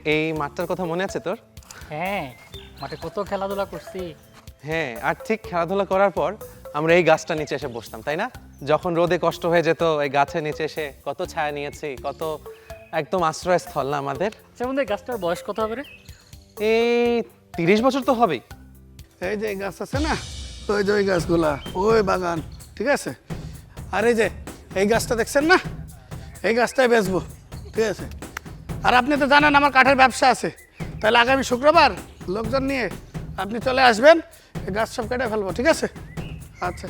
এই মাঠটার কথা মনে আছে তোর? হ্যাঁ, মাঠে কত খেলাধুলা করছি। হ্যাঁ, আর ঠিক খেলাধুলা করার পর আমরা এই গাছটা নিচে এসে বসতাম, তাই না? যখন রোদে কষ্ট হয়ে যেত এই গাছের নিচে এসে কত ছায়া নিয়েছি, কত একদম আশ্রয়স্থল না আমাদের। আচ্ছা বন্ধু, এই গাছটার বয়স কত হবে রে? এই 30 বছর তো হবেই। এই যে গাছ আছে না, ওই যে ওই গাছগুলা, ওই বাগান, ঠিক আছে। আর এই যে এই গাছটা দেখছেন না, এই গাছটাই বেচবো, ঠিক আছে। আর আপনি তো জানেন আমার কাঠের ব্যবসা আছে, তাহলে আগামী শুক্রবার লোকজন নিয়ে আপনি চলে আসবেন, এই গাছ সব কেটে ফেলবো, ঠিক আছে। আচ্ছা,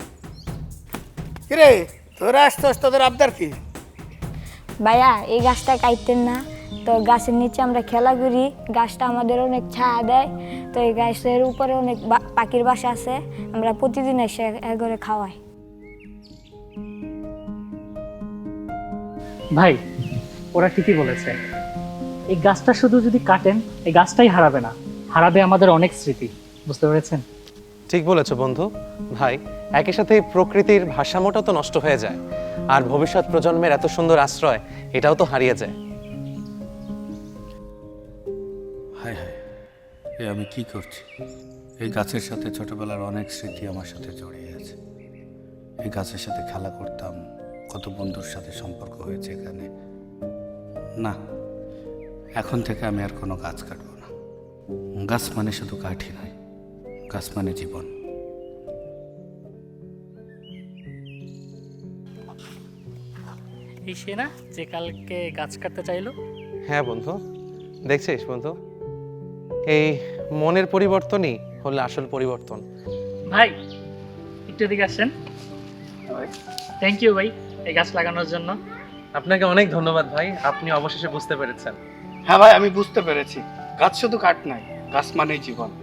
কিরে তোরা আসতে তোদের আবদার কি? ভাইয়া এই গাছটা কাটতেন না তো? গাছের নিচে আমরা খেলা করি, গাছটা আমাদের অনেক ছায়া দেয়, তো এই গাছের উপরে অনেক পাখির বাসা আছে, আমরা প্রতিদিন এসে করে খাওয়াই। ভাই, ওরা ঠিকই বলেছে। এই গাছটা শুধু যদি কাটেন, এই গাছটাই হারাবে না, হারাবে আমাদের অনেক স্মৃতি। বুঝতে পেরেছেন? ঠিক বলেছো বন্ধু। ভাই, একই সাথে প্রকৃতির ভারসাম্যটাও তো নষ্ট হয়ে যায়, আর ভবিষ্যৎ প্রজন্মের এত সুন্দর আশ্রয় এটাও তো হারিয়ে যায়। হায় হায়, এ আমি কি করছি? এই গাছের সাথে ছোটবেলার অনেক স্মৃতি আমার সাথে জড়িয়ে আছে। এই গাছের সাথে খেলা করতাম, কত বন্ধুর সাথে সম্পর্ক হয়েছে এখানে। না, এখন থেকে আমি আর কোনো গাছ কাটবো না। গাছ মানে শুধু কাঠই নয়, গাছ মানে জীবন। এই সে না যে কালকে গাছ কাটতে চাইলো? হ্যাঁ বন্ধু, দেখছিস বন্ধু, এই মনের পরিবর্তনই হলো আসল পরিবর্তন। ভাই একটু এদিকে আসেন। থ্যাংক ইউ ভাই এই গাছ লাগানোর জন্য। আপনাকে অনেক ধন্যবাদ ভাই, আপনি অবশেষে বুঝতে পেরেছেন। হ্যাঁ ভাই, আমি বুঝতে পেরেছি, গাছ শুধু কাঠ নয়, গাছ মানেই জীবন।